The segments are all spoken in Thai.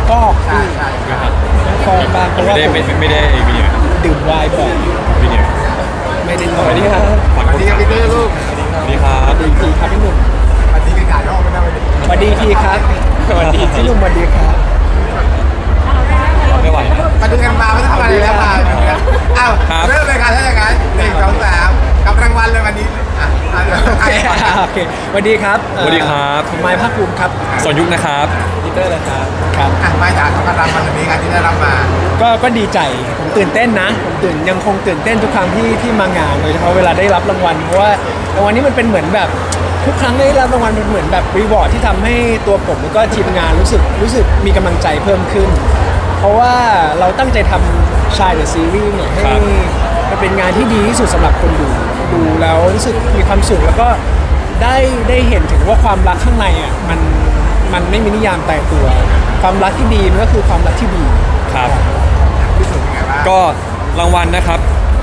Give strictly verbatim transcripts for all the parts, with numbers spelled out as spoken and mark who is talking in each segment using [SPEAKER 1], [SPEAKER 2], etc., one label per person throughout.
[SPEAKER 1] ฟอก
[SPEAKER 2] ใช่ใช่ครับ
[SPEAKER 1] ฟอกบ้างเพราะ
[SPEAKER 3] ไม่
[SPEAKER 1] ว่า
[SPEAKER 3] ได้
[SPEAKER 1] ผม
[SPEAKER 3] ไม่ไม่ได้วิดีโอ
[SPEAKER 1] ดื่มไวน์บ่อย
[SPEAKER 3] วิดีโอ
[SPEAKER 1] ไม่ได้น
[SPEAKER 3] ส
[SPEAKER 1] อน
[SPEAKER 3] วัสดีครับ
[SPEAKER 2] สวัสดีครับพี่เต้ลูก
[SPEAKER 3] สวัสดีครับ
[SPEAKER 1] ดีพีครับพี่หนุ่ม
[SPEAKER 2] สวัสดีกันถ่ายรอบไม่ได้วันนี้
[SPEAKER 1] สวัสดีพีครับสวัสดีพี่หนุ่มสวัสดีครับ
[SPEAKER 3] ไม่ไหวนะ
[SPEAKER 2] มาดูกันมาไม่ต้องมาเลยแล้วมาอ้าว
[SPEAKER 3] ครับ
[SPEAKER 2] เริ่มเลยครับถ้าอย่างนั้นหนึ่งสองสามกับรางวัลเลยวันนี้อ่ะอ่ะ
[SPEAKER 1] โอเคโอเคสวัสดีครับ
[SPEAKER 3] สวัสดีครับ
[SPEAKER 1] ผมไมค์ภาคภูมิครับ
[SPEAKER 3] สนยุคนะครับ
[SPEAKER 1] พีเตอร์นะครับครับ
[SPEAKER 2] อ่ะมาจากรางวัลวันนี้ครับที่ได้รับมา
[SPEAKER 1] ก็ก็ดีใจผมตื่นเต้นนะผมตื่นยังคงตื่นเต้นทุกครั้งที่ที่มางานโดยเฉพาะเวลาได้รับรางวัลเพราะว่ารางวัลนี้มันเป็นเหมือนแบบทุกครั้งได้รับรางวัลมันเหมือนแบบรีวอร์ดที่ทำให้ตัวผมแล้วก็ทีมงานรู้สึกรู้สึกมีกำลังใจเพิ่มขึ้น เพราะว่าเราตั้งใจทำชายเดอะซีรีส์เนี่ยให้
[SPEAKER 3] ครับ
[SPEAKER 1] มันเป็นงานที่ดีที่สุดสำหรับคนดูดูแล้วรู้สึกมีความสุขแล้วก็ได้ได้เห็นถึงว่าความรักข้างในอ่ะมันมันไม่มีนิยามตายตัว ความรักที่ดีมันก็คือความรักที่ดี
[SPEAKER 3] ครับ
[SPEAKER 2] ที่สุดยังไงบ้าง
[SPEAKER 3] ก็รางวัลนะครับ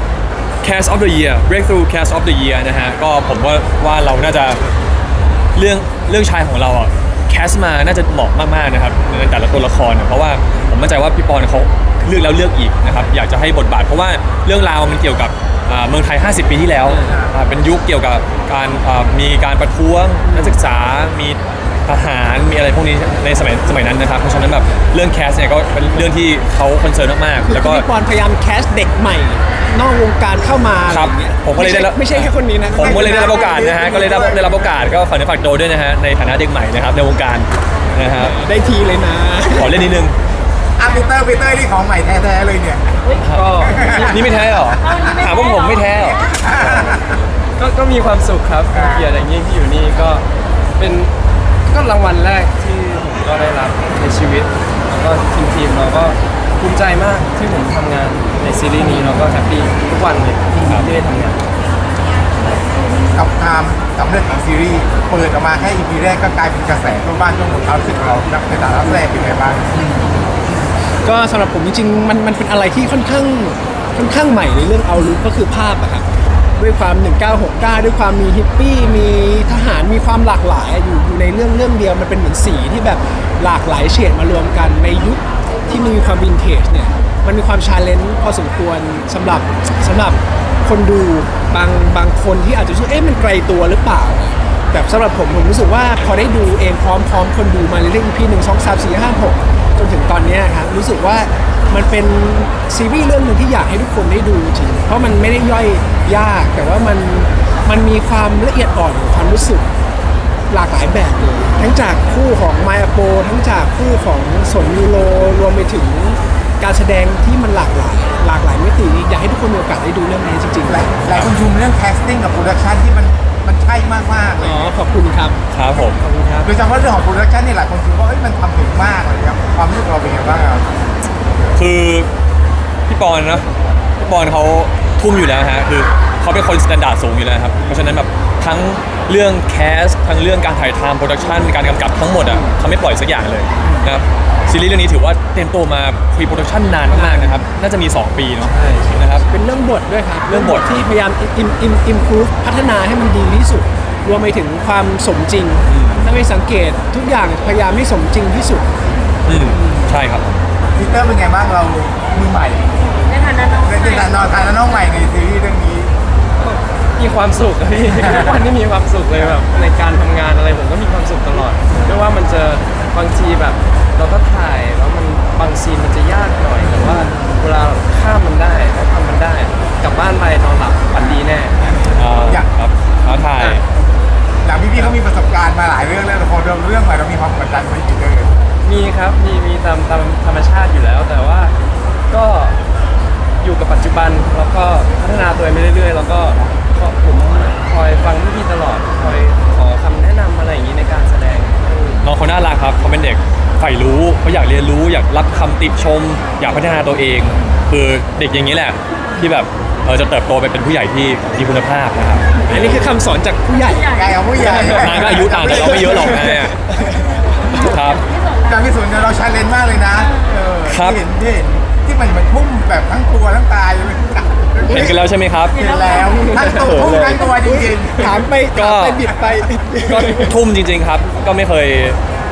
[SPEAKER 3] Cast of the Year Breakthrough Cast of the Year นะฮะก็ผมว่าว่าเราน่าจะเรื่องเรื่องชายของเราอ่ะแคสมาน่าจะเหมาะมากๆนะครับในแต่ละตัวละครเนี่ยเพราะว่าผมมั่นใจว่าพี่ปอนเขาเลือกแล้วเลือกอีกนะครับอยากจะให้บทบาท เพราะว่าเรื่องราวมันเกี่ยวกับอ่าเมืองไทย ห้าสิบ ปีที่แล้วอ่าเป็นยุคเกี่ยวกับการอ่ามีการประท้วงนักศึกษามีทหารมีอะไรพวกนี้ในสมัยสมัยนั้นนะครับเพราะฉะนั้นแบบเรื่องแคสเนี่ยก็เป็นเรื่องที่เขาคอนเซิร์นมาก
[SPEAKER 1] คื
[SPEAKER 3] ๆ
[SPEAKER 1] อ
[SPEAKER 3] แล้วก็
[SPEAKER 1] พี่ปอนพยายามแคสเด็กใหม่ นอกวงการเข้ามา
[SPEAKER 3] ครับ
[SPEAKER 1] อะไอย่างงี้ย
[SPEAKER 3] ผมก็เลยได้รับ
[SPEAKER 1] ไม่ใช่ไม่ใช่แค่คนนี้นะ
[SPEAKER 3] ผมก็เลยได้รับโอกาสนะฮะ ก็เลยได้ได้รับโอกาสก็ฝากเนื้อฝากตัวด้วยนะฮะ ในฐานะเด็กใหม่นะครับในวงการนะฮะ
[SPEAKER 1] ได้ทีเลยนะ
[SPEAKER 3] ขอเล่นนิดนึง
[SPEAKER 2] อ่ะปีเตอร์ปีเตอร์นี่ของใหม่แท้ๆเลยเนี่ย
[SPEAKER 4] ก็
[SPEAKER 3] นี่ไม่แท้เหรอ ถามว่าผมไม่แท้เหรอ
[SPEAKER 4] ก็ก็มีความสุขครับเป็นเกียรติอย่างยิ่งที่อยู่นี่ก็เป็นก็รางวัลแรกที่ผมก็ได้รับในชีวิต แล้วก็ทีมทีมเราก็ภูมิใจมากที่ผมทำงานในซีรีส์นี้แล้วก็แฮปปี้ทุกวันเลยที่ได้ทำงาน
[SPEAKER 2] กับความสำเร็จของซีรีส์เปิดออกมาแค่ อี พี แรกก็กลายเป็นกระแสทั่วบ้านทั่วเมืองเขารู้สึกเราในฐานะนักแสดงเป็นไงบ้าง
[SPEAKER 1] ก็สำหรับผมจริงๆมันมันเป็นอะไรที่ค่อนข้างค่อนข้างใหม่ในเรื่องเอาลุกก็คือภาพอะครับด้วยความหนึ่งเก้าหกเก้าด้วยความมีฮิปปี้มีทหารมีความหลากหลายอยู่อยู่ในเรื่องเรื่องเดียวมันเป็นเหมือนสีที่แบบหลากหลายเฉดมารวมกันในยุคที่มีความวินเทจเนี่ยมันมีความชาเลนจ์พอสมควรสำหรับสำหรับคนดูบางบางคนที่อาจจะรู้สึกเอ๊ะมันไกลตัวหรือเปล่าแต่สำหรับผมผมรู้สึกว่าพอได้ดูเองพร้อมๆคนดูมาเรื่อยๆ อี พี หนึ่ง สอง สาม สี่ ห้า หกจนถึงตอนเนี้ยครับรู้สึกว่ามันเป็นซีรีส์เรื่องหนึ่งที่อยากให้ทุกคนได้ดูจริงเพราะมันไม่ได้ย่อยยากแต่ว่ามันมันมีความละเอียดอ่อนของความรู้สึกหลากหลายแบบเลยทั้งจากคู่ของไมอาโปทั้งจากคู่ของสนยูโรรวมไปถึงการแสดงที่มันหลากหลาย หลากหลายมิติอยากให้ทุกคนมีโอกาสได้ดูเรื่องนี้จริงๆ
[SPEAKER 2] หลายหลายคนชมเรื่องแคสติ้งกับโปรดักชันที่มันมันใช่มากๆเล
[SPEAKER 1] อ๋
[SPEAKER 2] ย
[SPEAKER 1] อขอบคุณครับ
[SPEAKER 3] ครับผม
[SPEAKER 1] ขอบคุณครับ
[SPEAKER 2] โดยเฉพาะเรื่องของโปรดักชันนี่หลายคนชมว่าเอ้ยมันทำถึงมากเลยครับความรู้สึกเราเป็นไงบ้างครับ
[SPEAKER 3] คือพี่ปอนนะพี่ปอนเขาทุ่มอยู่แล้วฮะคือเขาเป็นคนสแตนดาร์ดสูงอยู่แล้วครับเพราะฉะนั้นแบบทั้งเรื่องแคสทั้งเรื่องการถ่ายทำโปรดักชันการกำกับทั้งหมดอ่ะเขาไม่ปล่อยสักอย่างเลยนะครับซีรีส์เรื่องนี้ถือว่าเต็มตัวมาพรีโปรดักชันนานมากๆนะครับน่าจะมีสองปีเนาะนะครับ
[SPEAKER 1] เป็นเรื่องบทด้วยครับ
[SPEAKER 3] เรื่องบท
[SPEAKER 1] ที่พยายามอิมอิมอิมพูฟพัฒนาให้มันดีที่สุด รวมไปถึงความสมจริง ถ้าไม่สังเกตทุกอย่างพยายามให้สมจริงที่สุด
[SPEAKER 3] อืมใช่ครับ
[SPEAKER 2] ปีเตอร์เป็นไงบ้างเรามือใหม่
[SPEAKER 5] ในฐานะน้องให
[SPEAKER 2] ใน
[SPEAKER 5] ม่
[SPEAKER 2] ฐานะฐานะน้องใหม่ในซีรีส์เรื่องนี้
[SPEAKER 4] มีความสุขอะพี่ ทุกวันนี้มีความสุขเลยแบบในการทำงานอะไรผมก็มีความสุขตลอดไม่ว่ามันจะบางทีแบบเราก็ถ่ายแล้วมันบางซีนมันจะยากหน่อยแต่ว่าเวลาข้ามมันได้แล้วทำมันได้กลับบ้านไปนอนหลับฝันดีแน่
[SPEAKER 3] อ่า
[SPEAKER 2] อยาก
[SPEAKER 3] ครับท้าทาย
[SPEAKER 2] หลังพี่ๆเขามีประสบการณ์มาหลายเรื่องแล้วแต่พอเรื่องเรื่องใหม่เรามีความกดดันไหมปีเตอร์
[SPEAKER 4] มีครับมีมีตามตามธรรมชาติอยู่แล้ว แต่ว่าก็อยู่กับปัจจุบันแล้วก็พัฒนาตัวเองไปเรื่อยๆ แล้วก็ก็ผมคอยฟังพี่ๆตลอดคอยขอคำแนะนำอะไรอย่างนี้ในการแสดง
[SPEAKER 3] น้องเขาน่ารักครับเขาเป็นเด็กใฝ่รู้เขาอยากเรียนรู้อยากรับคำติชม อยากพัฒนาตัวเอง คือเด็กอย่างนี้แหละที่แบบเออจะเติบโตไปเป็นผู้ใหญ่ที่มีคุณภาพนะครับ
[SPEAKER 1] อันนี้คือคำสอนจากผู้ใหญ่
[SPEAKER 2] ใหญ่กับผู้ใหญ่
[SPEAKER 3] นายก็อายุต่างกันเราไม่เยอะหรอกนะเนี่ยครับ
[SPEAKER 2] การพิสูจน์เนี่ยเราชาเลนจ์มากเลยนะเออ
[SPEAKER 3] ครับ
[SPEAKER 2] ที่เห็นที่เห็นที่มันเหมือนทุ่มแบบทั้งตัวทั้งตายเลย
[SPEAKER 3] เห็นกันแล้วใช่ไหมครับ
[SPEAKER 2] เห็นแล้วทั้งตัวทุ่มทั้งตัวจริง
[SPEAKER 1] ถามไป
[SPEAKER 3] ก็
[SPEAKER 1] ถามไปบิดไป
[SPEAKER 3] ก็ทุ่มจริงๆครับ ก็ไม่เคย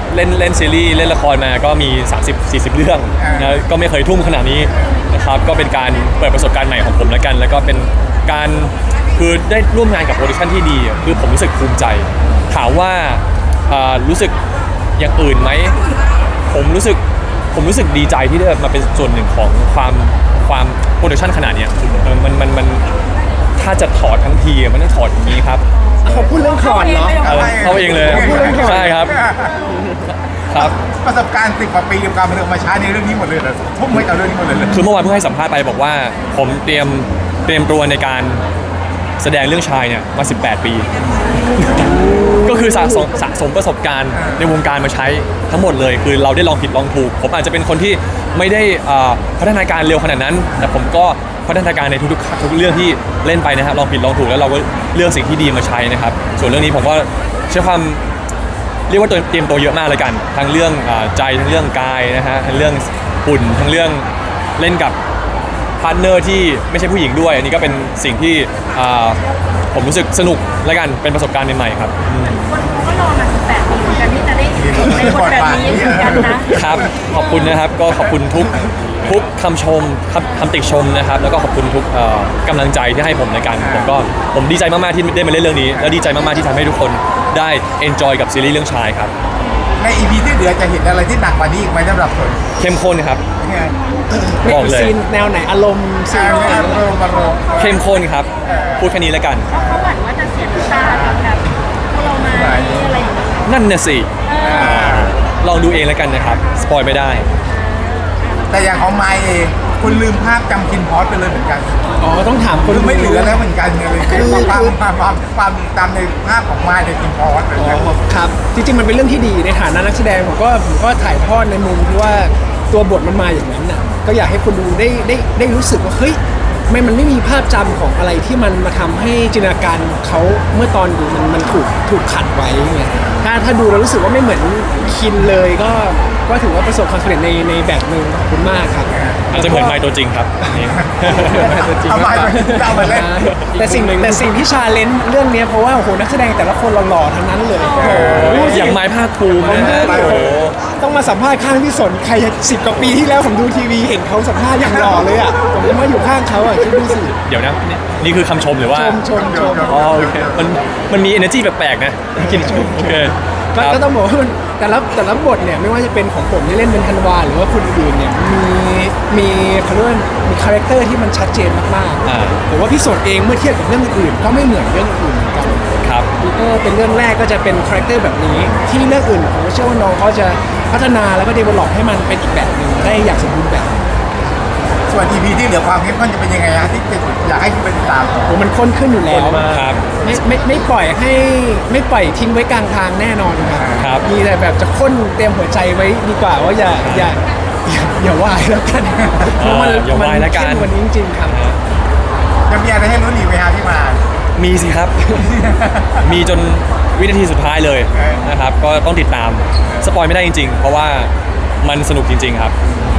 [SPEAKER 3] เล่นเล่นซีรีส์เล่นละครมาก็มี สามสิบสี่สิบ เรื่องนะก็ไม่เคยทุ่มขนาดนี้นะครับก็เป็นการเปิดประสบการณ์ใหม่ของผมแล้วกัน แล้วก็เป็นการคือได้ร่วมงานกับโปรดักชั่นที่ดีอะคือผมรู้สึกภูมิใจถามว่าอ่ารู้สึกอย่างอื่นไหมผมรู้สึกผมรู้สึกดีใจที่ได้มาเป็นส่วนหนึ่งของความความโปรดักชั่นขนาดเนี้ยเออมันมันมันถ้าจะถอดทั้งทีอะมันต้องถอดอย่างนี้ครับ
[SPEAKER 1] เขาพูดเรื่องคอนเนาะ
[SPEAKER 3] เออเข้าเองเลย
[SPEAKER 1] พูดเรื่องก่อน
[SPEAKER 3] ใช่ครับครับ
[SPEAKER 2] ประสบการณ์สิบกว่าปีกับการบันเทิงมาใช้ในเรื่องนี้หมดเลยเหรอทุ่มให้กับเรื่องนี้หมดเลยเหรอ
[SPEAKER 3] คือเมื่อวานเพิ่งให้สัมภาษณ์ไปบอกว่าผมเตรียมเตรียมตัวในการแสดงเรื่องชายเนี่ยมาสิบแปดปี ก็คือสะสมสะสมประสบการณ์ในวงการมาใช้ทั้งหมดเลย คือเราได้ลองผิดลองถูก ผมอาจจะเป็นคนที่ไม่ได้อ่าพัฒนาการเร็วขนาดนั้น แต่ผมก็พัฒนาการในทุกๆทุกเรื่องที่เล่นไปนะครับลองผิดลองถูกแล้วเราก็เลือกสิ่งที่ดีมาใช้นะครับส่วนเรื่องนี้ผมก็ใช้ความเรียกว่าตัวเตรียมตัวเยอะมากเลยกันทั้งเรื่องอ่าใจทั้งเรื่องกายนะฮะทั้งเรื่องหุ่นทั้งเรื่องเล่นกับพาร์ทเนอร์ที่ไม่ใช่ผู้หญิงด้วยอันนี้ก็เป็นสิ่งที่อ่าผมรู้สึกสนุกและกันเป็นประสบการณ์ใหม่ๆครับอืม
[SPEAKER 5] คนเขาก็รอมาสิบแปดปีเหมือนกันที่จะได้เห็นในบทแบบนี้เหมือนกันนะครับ
[SPEAKER 3] ขอบคุณนะครับก็ขอบคุณทุกทุกคำชมคำคำติชมนะครับแล้วก็ขอบคุณทุกเอ่อกำลังใจที่ให้ผมในการผมก็ผมดีใจมากๆที่ได้มาเล่นเรื่องนี้ แล้วดีใจมากๆที่ทำให้ทุกคนได้ enjoy กับซีรีส์เรื่องชายครับ
[SPEAKER 2] ใน อี พี ที่เหลือจะเห็นอะไรที่หนักกว่านี้อีกไหมสำหรับส่วน
[SPEAKER 3] เข้มข้นครับ
[SPEAKER 2] ยังไง
[SPEAKER 3] บอกเลย
[SPEAKER 1] ซีนแนวไหนอารมณ์ซี
[SPEAKER 2] อ่าน ไม่เอาลงมาลง
[SPEAKER 3] เข้มข้นครับพูดแค่นี้แล้วกัน
[SPEAKER 5] เพราะเขาหวั่นว่าจะเสียน้ำตากับแบบพวกเรามาอะไรอย่างนี้
[SPEAKER 3] นั่นน่ะสิลองดูเองแล้วกันนะครับสปอยไม่ได้
[SPEAKER 2] แต่อย่างของไมค์เองคุณลืมภาพจำคินพอสไปเลยเหมือนกัน
[SPEAKER 1] อ๋อต้องถามคน
[SPEAKER 2] คือไม่เหลือแล้วเหมือนกันเลย
[SPEAKER 1] คือ
[SPEAKER 2] ความความความความตามในภาพของไมค์ในคินพอสเลย
[SPEAKER 1] อ๋
[SPEAKER 2] นะ
[SPEAKER 1] อครับจริงๆมันเป็นเรื่องที่ดีในฐานะนักแสดงผมก็ผมก็ถ่ายทอดในมุมที่ว่าตัวบทมันมาอย่างนั้นน่ะก็อยากให้คนดูได้ได้ได้รู้สึกว่าเฮ้ยไม่มันไม่มีภาพจำของอะไรที่มันมาทำให้จินตนาการเขาเมื่อตอนดูมันมันถูกถูกขัดไว้ไงถ้าถ้าดูแล้วรู้สึกว่าไม่เหมือนคินเลยก็ก็ถือว่าประสบความสำเร็จในในแบบหนึ่งขอบคุณมากครับ
[SPEAKER 3] อาจจะเหมือนไมค์ตัวจริงครับนี่
[SPEAKER 2] เอาไมค์ไปเอามาเล่น
[SPEAKER 1] แต่สิ่งแต่สิ่งที่ชาเลนจ์เรื่องเนี้ยเพราะว่าโอ้โหนักแสดงแต่ละคนหล่อๆทั้งนั้นเลย
[SPEAKER 3] อย่างไม้ภาคภูมินะฮะ
[SPEAKER 1] ผมดู
[SPEAKER 3] โอ้โห
[SPEAKER 1] ต้องมาสัมภาษณ์ข้างพี่สนใครสิบกว่าปีที่แล้วผมดูทีวีเห็นเขาสัมภาษณ์อย่างหล่อเลยอ่ะผมยังมาอยู่ข้างเขาอ่ะคิดดูสิ
[SPEAKER 3] เดี๋ยวนะนี่นี่คือคำชมหรือว่า
[SPEAKER 1] ชมชมชม
[SPEAKER 3] อ๋อโอเคมันมันมี energy แปลกๆนะกินชมโอเคค
[SPEAKER 1] ก็
[SPEAKER 3] รับ
[SPEAKER 1] ก็ต้องบอกว่ามันแต่ละแต่ละบทเนี่ยไม่ว่าจะเป็นของผมที่เล่นเป็นธันวาหรือว่าคนอื่นเนี่ยมีมีเขาเรียกว่ามีคาแรคเตอร์ที่มันชัดเจนมาก
[SPEAKER 3] อ่า
[SPEAKER 1] ๆผมว่าพี่สนเองเมื่อเทียบกับเรื่องอื่นก็ไม่เหมือนเรื่องอื่นเหมือนกัน
[SPEAKER 3] ครับ
[SPEAKER 1] ปีเตอร์เป็นเรื่องแรกก็จะเป็นคาแรคเตอร์แบบนี้ ที่เรื่องอื่นผมเชื่อว่าน้องเขาจะพัฒนาแล้วก็เดเวลลอปให้มันเป็นอีกแบบหนึ่งได้อย่างสมบูรณ์แบบ
[SPEAKER 2] ส่วน อี พี ที่เหลือความเข้มข้นจะเป็นยังไงฮะที่จะอยากให้คุณไปติดตาม
[SPEAKER 1] โอ้มันข้นขึ้นอยู่แล้ว
[SPEAKER 3] ครับ
[SPEAKER 1] ไม่ไม่ไม่ปล่อยให้ไม่ปล่อยทิ้งไว้กลางทางแน่นอนครับ
[SPEAKER 3] ครับ
[SPEAKER 1] มีแต่แบบจะข้นเตรียมหัวใจไว้ดีกว่าว่าอย่าอย่าอย่าอย่าวายแล้วกันเพราะมัน
[SPEAKER 3] อย่าวายแล้วกัน
[SPEAKER 1] เข้มกว่านี้จริงๆครับ
[SPEAKER 2] จะมีอะไรให้ลุ้นอีกไหมฮะที่มา
[SPEAKER 3] มีสิครับ มีจนวินาทีสุดท้ายเลยนะครับ ก็ต้องติดตาม สปอยไม่ได้จริงๆ เพราะว่ามันสนุกจริงๆครับ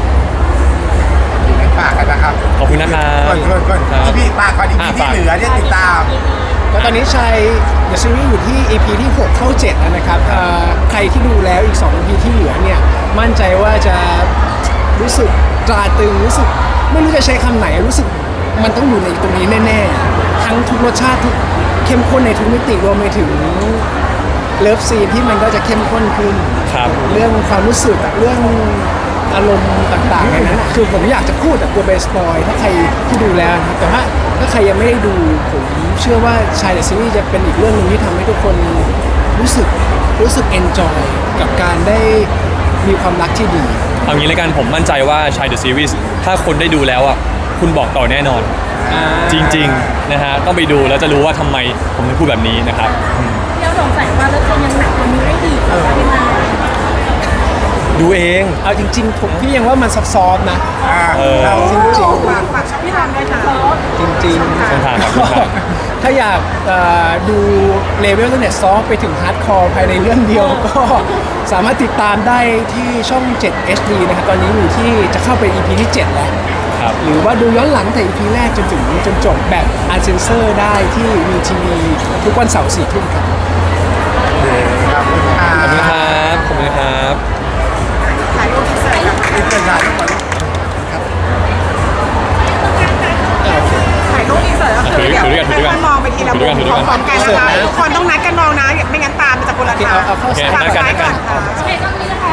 [SPEAKER 2] ฝากกันนะครับ
[SPEAKER 3] ขอบคุณนะครับ
[SPEAKER 2] ก่อนก่อนก่อน
[SPEAKER 3] ครับ
[SPEAKER 2] อีพีฝากก่อนอี
[SPEAKER 3] อ่ะ
[SPEAKER 2] พีที่
[SPEAKER 3] ฝาก
[SPEAKER 2] เหลือเนี่ยติดตาม
[SPEAKER 1] ก็ตอนนี้ชัยเดอะซีรีส์อยู่ที่ อี พี ที่หกเข้าเจ็ดแล้วนะครับเอ่อใครที่ดูแล้วอีกสอง อี พี ที่เหลือเนี่ยมั่นใจว่าจะรู้สึกตราตรึงรู้สึกไม่รู้จะใช้คำไหนรู้สึกมันต้องอยู่ในตรงนี้แน่ๆทั้งทุกรสชาติทุกเข้มข้นในทุกมิติรวมไปถึงเลิฟซีนที่มันก็จะเข้มข้นขึ้น
[SPEAKER 3] ครับ
[SPEAKER 1] เรื่องความรู้สึกเรื่องอารมณ์ต่างๆในนั้นน่ะคือผมอยากจะพูดแต่กลัวเบสปอยถ้าใครที่ดูแล้วนะครับแต่ว่าถ้าใครยังไม่ได้ดูผมเชื่อว่าชายเดอะซีรีส์จะเป็นอีกเรื่องหนึ่งที่ทำให้ทุกคนรู้สึกรู้สึกเอนจอยกับการได้มีความรักที่ดี
[SPEAKER 3] เอางี้แล้วกันผมมั่นใจว่าชายเดอะซีรีส์ถ้าคนได้ดูแล้วอ่ะคุณบอกต่อแน่นอน จริงๆนะฮะต้องไปดูแล้วจะรู้ว่าทำไมผมถึงพูดแบบนี้นะครับ
[SPEAKER 5] เราสงสัยว่าเราจะยังหนักกว่านี้ได้อีกเหรอพี่มา
[SPEAKER 3] ดูเอง
[SPEAKER 1] เอาจริง ๆ ผมพี่ยังว่ามันซับซ้อนนะ
[SPEAKER 2] อ่า
[SPEAKER 3] เออ
[SPEAKER 2] เรา
[SPEAKER 1] จริงๆ
[SPEAKER 5] ฝากฝากช่องพี่ทำด้วยค่ะ
[SPEAKER 1] จริงๆ
[SPEAKER 3] ช่องทางครับช่องทาง
[SPEAKER 1] ถ้าอยากเอ่อดูเลเวลตั้งแต่ซอฟต์ไปถึงฮาร์ดคอร์ภายในเรื่องเดียว ก็สามารถติดตามได้ที่ช่อง เจ็ด เอช ดี นะครับ ตอนนี้อยู่ที่จะเข้าไป อี พี ที่ เจ็ด แล้ว
[SPEAKER 3] ครับ
[SPEAKER 1] หรือว่าดูย้อนหลังแต่ อี พี แรกจนถึงจนจบแบบอันเซนเซอร์ได้ที่ วี ที วี ทุกวันเสาร์สี่ทุ่มครับ
[SPEAKER 2] ขอบคุณครั
[SPEAKER 3] ขอบคุณ
[SPEAKER 2] บ
[SPEAKER 3] ครับ ขอบคุณครับ
[SPEAKER 6] ทีละมุมพร้อมๆกันนะคะทุกคนต้องนัดกันมองนะไม่งั้นตามมันจะคนละทาง
[SPEAKER 1] เอาเอาเข้า
[SPEAKER 3] โอเค
[SPEAKER 6] ฝาก
[SPEAKER 3] นัดกัน
[SPEAKER 6] ซ้าย
[SPEAKER 3] นัดกั
[SPEAKER 6] ก่อน นค่ะ
[SPEAKER 5] โอเคก็มีนะคะ